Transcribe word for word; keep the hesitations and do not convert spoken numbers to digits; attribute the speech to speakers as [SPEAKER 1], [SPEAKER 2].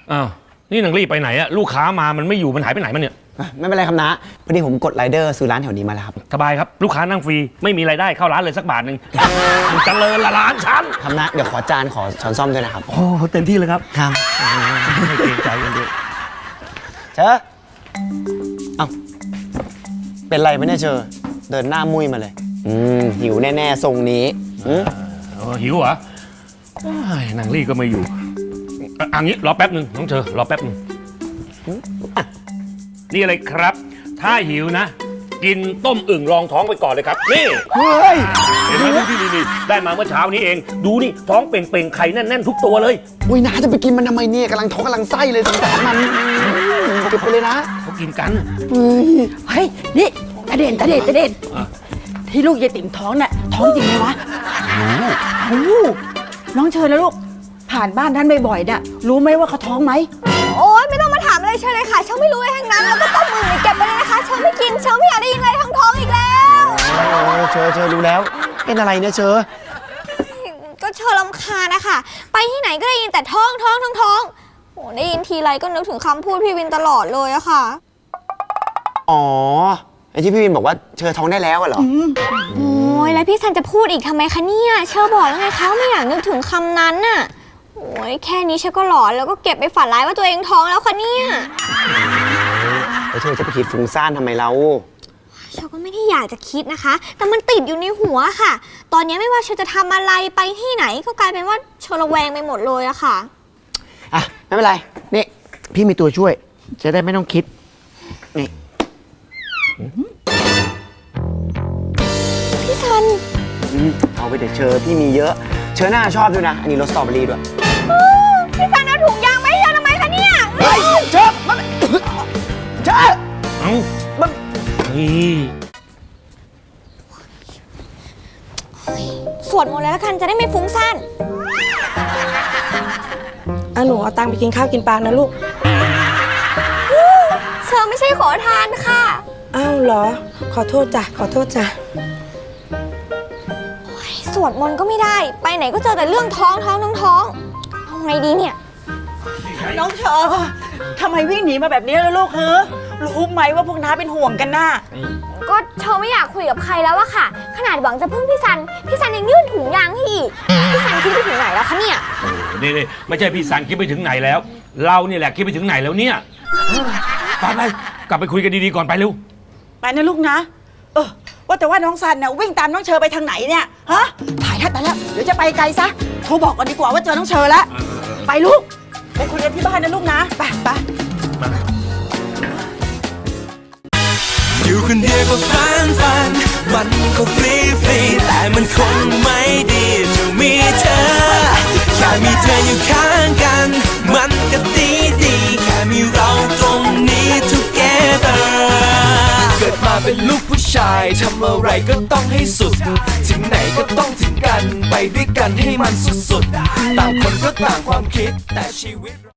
[SPEAKER 1] อ้าวนี่นางรีไปไหนอะลูกค้ามามันไม่อยู่มันหายไปไหนมันเนี่ย
[SPEAKER 2] ไม่เป็นไรครับนะพอดีผมกดไรเดอร์ซื้อร้านแถวนี้มาแล้วครับ
[SPEAKER 1] สบายครับลูกค้านั่งฟรีไม่มีรายได้เข้าร้านเลยสักบาทหนึ่งมันเจริญละร้านฉัน
[SPEAKER 2] ครับนะเดี๋ยวขอจานขอช้อนซ่อมด้วยนะครับ
[SPEAKER 1] โอ้เต็มที่เลยครับ
[SPEAKER 2] ครับ
[SPEAKER 1] ไม่เกรงใจกันด้วย
[SPEAKER 2] เชอเอ้าเป็นไรไหมเนี่ยเชอเดินหน้ามุ้ยมาเลยอืมหิวแน่ๆทรงนี้
[SPEAKER 1] หิวเหรอ นางลี่ก็ไม่อยู่อันนี้รอแป๊บหนึ่งน้องเชอรอแป๊บหนึ่งนี่อะไรครับถ้าหิวนะกินต้มอึ่งรองท้องไปก่อนเลยครับนี่
[SPEAKER 2] เฮ้ย
[SPEAKER 1] เห็นไหมนี่นี่นี่ได้มาเมื่อเช้านี้เองดูนี่ท้องเป่งๆไข่แน่นๆทุกตัวเลย
[SPEAKER 2] อุ้ยน้าจะไปกินมันทำไมเนี่ยกำลังท้องกำลังไส้เลยสงสารมันเก็บไปเลยนะ
[SPEAKER 1] เขากินกัน
[SPEAKER 3] เฮ้ยนี่ตาเด่นตาเด่นตาเด่นที่ลูกยายติ๋มท้องน่ะท้องจริงไหมวะรู้น้องเชิญแล้วลูกผ่านบ้านท่านบ่อยๆน่ะรู้ไหมว่าเขาท้องไหม
[SPEAKER 4] โอ๊ยไม่ต้องมาถามอะไรเชิญเลยค่ะเชิญไม่รู้อะไรทั้งนั้นแล้วก็ต้มมือเก็บไปเลยนะคะเชิญไม่กินเชิญไม่อยากได้ยินอะไรทั้งท้องอีกแล้ว
[SPEAKER 2] เชอเชอรู้แล้วเป็นอะไรเนี่ยเชอ
[SPEAKER 4] ก็เชิญรำคาญนะคะไปที่ไหนก็ได้ยินแต่ท้องท้องท้องท้องโอ้ได้ยินทีไรก็นึกถึงคำพูดพี่วินตลอดเลยอะค่ะ
[SPEAKER 2] อ๋อไอ้ที่พี่วินบอกว่าเชอท้องได้แล้วเหรอ
[SPEAKER 4] โอ้ยแล้วพี่ซันจะพูดอีกทำไมคะเนี่ยเชอบอกแล้วไงคะไม่อยากนึกถึงคำนั้นน่ะโอ้ยแค่นี้เชอก็หลอนแล้วก็เก็บไปฝันร้ายว่าตัวเองท้องแล้วคะเนี่ย
[SPEAKER 2] แล้วเธอจะไปคิดฟุ้งซ่านทำไมเรา
[SPEAKER 4] เชอก็ไม่ได้อยากจะคิดนะคะแต่มันติดอยู่ในหัวค่ะตอนนี้ไม่ว่าเชอจะทำอะไรไปที่ไหนก็กลายเป็นว่าเชอระแวงไปหมดเลยอะค่ะ
[SPEAKER 2] อ่ะไม่เป็นไรนี่พี่มีตัวช่วยจะได้ไม่ต้องคิดนี่
[SPEAKER 4] พี่ซัน
[SPEAKER 2] เอาไปเดี๋ยวเชอพี่มีเยอะเชอหน้าชอบด้วยนะอันนี้รสสตรอเบอรี่ด้วย
[SPEAKER 4] พี่ซันเอาถุงยางมาให้เชอทำไมคะเนี่ย
[SPEAKER 2] เฮ้ยเชอมันเชอ
[SPEAKER 1] เอ้า
[SPEAKER 2] มัน
[SPEAKER 1] นี่
[SPEAKER 4] สวดมนต์เลยแล้วกันจะได้ไม่ฟุ้งซ่าน
[SPEAKER 3] อ่ะหนูเอาตังค์ไปกินข้าวกินปลานะลูก
[SPEAKER 4] เชอไม่ใช่ขอทานค่ะ
[SPEAKER 3] อ้าวเหรอขอโทษจ้ะขอโทษจ้ะ
[SPEAKER 4] สวดมนต์ก็ไม่ได้ไปไหนก็เจอแต่เรื่องท้องท้องท้องท้องเอาไงดีเนี่ย
[SPEAKER 3] น้องเชอทำไมวิ่งหนีมาแบบนี้ล่ะลูกเฮ้อรู้ไหมว่าพวกน้าเป็นห่วงกันน่ะ
[SPEAKER 4] ก็เชอไม่อยากคุยกับใครแล้วอะค่ะขนาดหวังจะพึ่งพี่ซันพี่ซันยังยื่นถุงยางให้อีกพี่ซันคิดไปถึงไหนแล้วคะเนี่ย
[SPEAKER 1] นี่นี่ไม่ใช่พี่ซันคิดไปถึงไหนแล้วเราเนี่ยแหละคิดไปถึงไหนแล้วเนี่ยไปไปกลับไปคุยกันดีๆก่อนไปเร็ว
[SPEAKER 3] ไปนะลูกนะเออว่าแต่ว่าน้องซันเนี่ยวิ่งตามน้องเชอไปทางไหนเนี่ยฮะถ่ายทัดแต่แล้วเดี๋ยวจะไปไกลซะโทรบอกก่อนดีกว่าว่าเจอน้องเชอแล้วไปลูกไปคุยกันที่บ้านนะลูกนะไปไป
[SPEAKER 5] อยู่คนเดียวก็ฟันฟันมันก็ฟรีฟรีแต่มันคงไม่ดีจะมีเธอแค่มีเธออยู่ข้างกันมันก็ดีดีแค่มีเราตรงนี้ together เกิดมาเป็นลูกผู้ชายทำอะไรก็ต้องให้สุดถึงไหนก็ต้องถึงกันไปด้วยกันให้มันสุดๆต่างคนก็ต่างความคิดแต่ชีวิต